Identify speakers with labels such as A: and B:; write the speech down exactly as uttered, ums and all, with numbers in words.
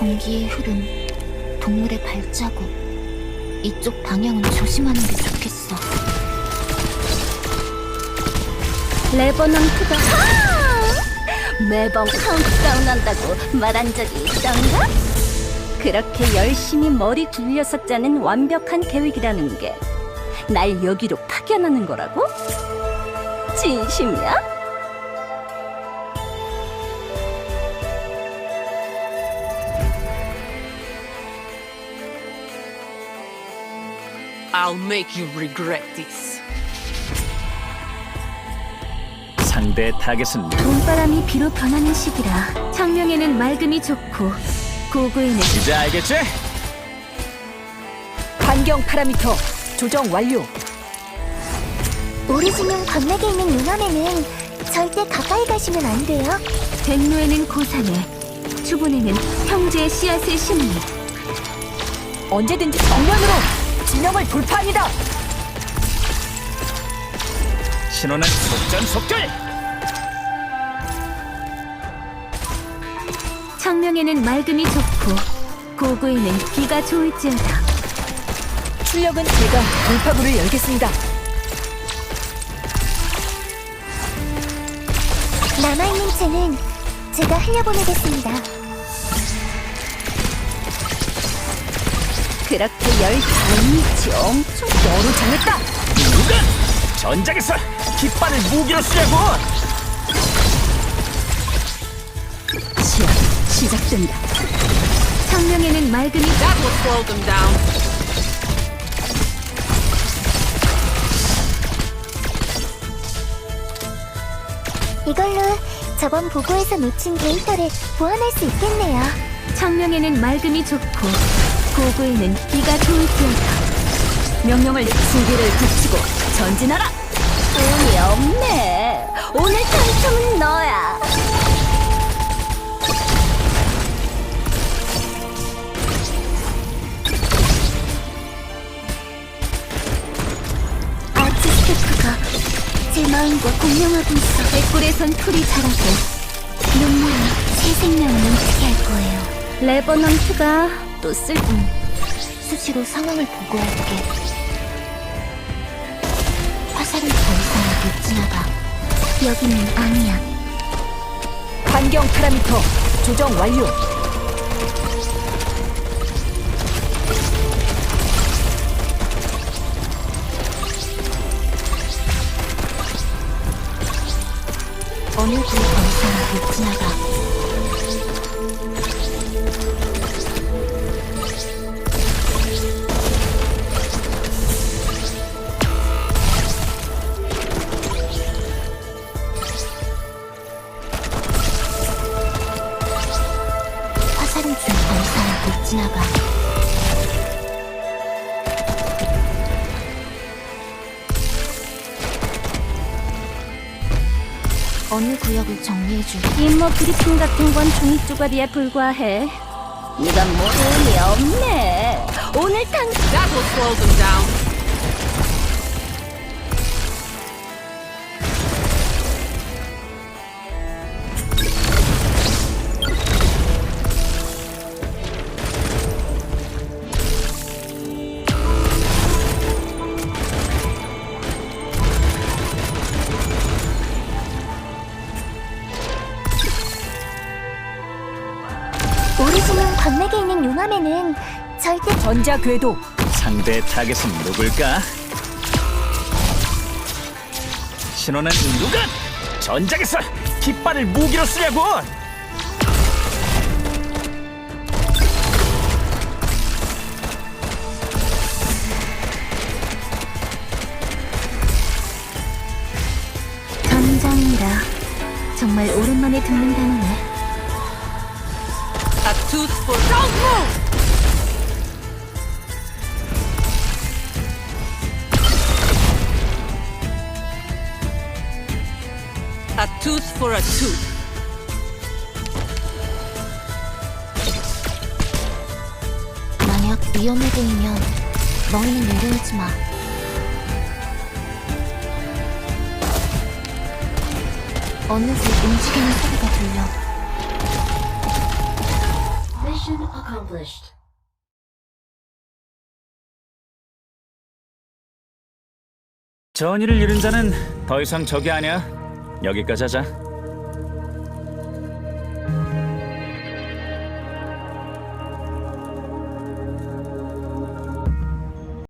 A: 공기의 흐름, 동물의 발자국. 이쪽 방향은 조심하는 게 좋겠어.
B: 레버넌트가 매번 카운트다운 한다고 말한 적이 있던가? 그렇게 열심히 머리 굴려서 짜는 완벽한 계획이라는 게 날 여기로 파견하는 거라고? 진심이야?
C: I'll make you regret this.
D: 상대 타겟은 누구?
B: 봄바람이 비로 변하는 시기라 창명에는 맑음이 좋고 고구에는
D: 이제 알겠지?
B: 반경 파라미터 조정 완료.
E: 오리지뇽 관맥에 있는 용암에는 절대 가까이 가시면 안 돼요.
B: 백로에는 고산에, 추분에는 형제의 씨앗을 심으니 언제든지 정면으로 진영을 돌파합니다.
D: 신호는 속전속결!
B: 창명에는 맑음이 좋고 고구에는 비가 좋을지어다. 출력은 제가 돌파구를 열겠습니다.
E: 남아있는 채는 제가 흘려보내겠습니다.
B: 그렇게 열심히 엄청 너로 정했다.
D: 누가 전장에서 깃발을 무기로 쓰려고!
B: 시합 시작된다. 창명에는 맑음이
C: That will slow them down.
E: 이걸로 저번 보고에서 놓친 데이터를 보완할 수 있겠네요.
B: 창명에는 맑음이 좋고 고구에는 비가 좋을지어다. 명령을 수비를 붙이고 전진하라. 운이 없네. 오늘 당첨은 너야.
E: 아트 스태프가 제 마음과 공명하고 있어.
B: 백골에선 풀이 자라고
E: 눈물이 새 생명을 넘치게 할 거예요.
B: 레버넌트가 또 쓸... 음.
A: 수시로 상황을 보고할게. 화살은 더 이상 못 지나가.
E: 여기는 아니야.
B: 반경 파라미터 조정 완료.
A: 어느 구에 더 이상 못 지나가. 화살은 좀 더 이상 못 지나가. 어느 구역을 정리해줄게.
B: 임무 브리핑 같은 건 종이 쪼가리에 불과해. 이건 뭐 운이 없네. 오늘 당
C: That will slow them down.
E: 오리지뇽 관맥에 있는 용암에는 절대
B: 전자 궤도
D: 상대 타겟은 누굴까? 신호는 누가 전장에서 깃발을 무기로 쓰려고!
B: 전장이라 정말 오랜만에 듣는 단어네.
C: A tooth for don't move. A tooth for a tooth.
A: 만약 위험해 보이면 너희는 내려오지 마. 어느 집 움직이는 소리가 들려.
D: 전의를 잃은 자는 더 이상 적이 아니야. 여기까지 하자.